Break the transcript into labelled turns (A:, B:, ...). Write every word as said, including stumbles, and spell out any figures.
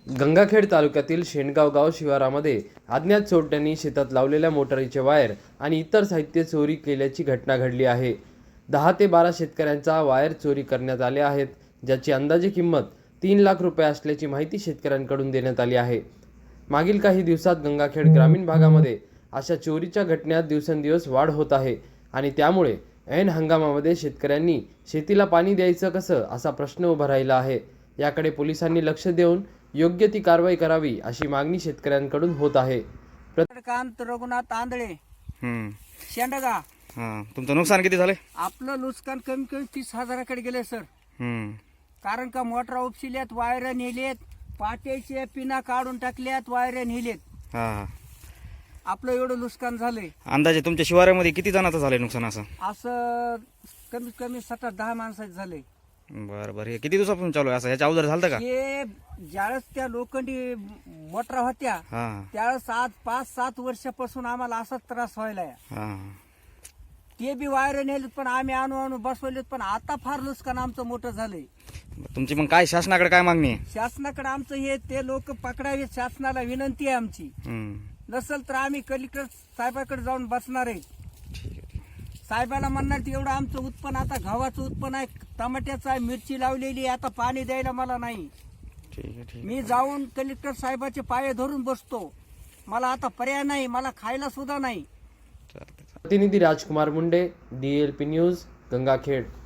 A: गंगाखेड तालुक्यातील शेणगाव गाव शिवारामध्ये अज्ञात चोरट्यांनी शेतात लावलेल्या मोटारीचे वायर आणि इतर साहित्य चोरी केल्याची घटना घडली आहे। दहा ते बारा शेतकऱ्यांचा वायर चोरी करण्यात आले आहेत, ज्याची अंदाजे किंमत तीन लाख रुपये असल्याची माहिती शेतकऱ्यांकडून देण्यात आली आहे। मागील काही दिवसात गंगाखेड ग्रामीण भागामध्ये अशा चोरीच्या घटनांत दिवसेंदिवस वाढ होत आहे आणि त्यामुळे ऐन हंगामामध्ये शेतकऱ्यांनी शेतीला पाणी द्यायचं कसं असा प्रश्न उभा राहिला आहे। याकडे पोलिसांनी लक्ष देऊन योग्य ती कारवाई करावी अशी मागणी शेतकऱ्यांकडून होत आहे।
B: कांत रघुनाथ आंधळे,
C: हम्म
B: शेंडगा।
C: हां, तुमचं नुकसान किती झाले?
B: आपलं नुकसान कमी कमी तीस हजाराकडे गेले सर।
C: हम्म
B: कारण का मोटर उपशिल्यात, वायर नेलेत, पाट्याचे पिना काढून टाकल्यात, वायर नेलेत।
C: हां,
B: आपलं एवढं नुकसान झालंय।
C: अंदाजे तुमच्या शिवारामध्ये किती जणांचं झालंय नुकसान असं?
B: असं कमीत कमी सात आठ दहा माणसाचं झालंय।
C: बरं बरं, हे किती दिवसापासून चालू आहे असं? ह्याच्या अगोदर झालं का?
B: हे ज्यावेळेस त्या लोखंडी मोटरा होत्या
C: हां
B: त्यावेळेस आज पाच सात वर्षापासून आम्हाला असाच त्रास व्हायला।
C: हां,
B: ते बी वायर नेलेत, पण आम्ही आणू आणू बसवलेत, पण आता फार नुकसान आमचं मोठं झालंय।
C: तुमची मग काय शासनाकडे काय मागणी आहे?
B: शासनाकडे आमचं हे ते लोक पकडावेत, शासनाला विनंती आहे आमची।
C: हम्म,
B: नसेल तर आम्ही कलेक्टर साहेबाकडे जाऊन बसणार आहे।
C: ठीक आहे, ठीक आहे.
B: साहेबाला म्हणणार की एवढं आमचं उत्पन्न, आता गव्हाचं उत्पन्न आहे, टमाट्याचं आहे, मिरची लावलेली आहे, आता पाणी द्यायला मला नाही।
C: ठीक आहे, ठीक आहे.
B: मी जाऊन कलेक्टर साहेबाचे पाय धरून बसतो, मला आता पर्याय नाही, मला खायला सुद्धा नाही।
C: चालतंय.
A: प्रतिनिधी Rajkumar Munde, D L P news, Gangakhed.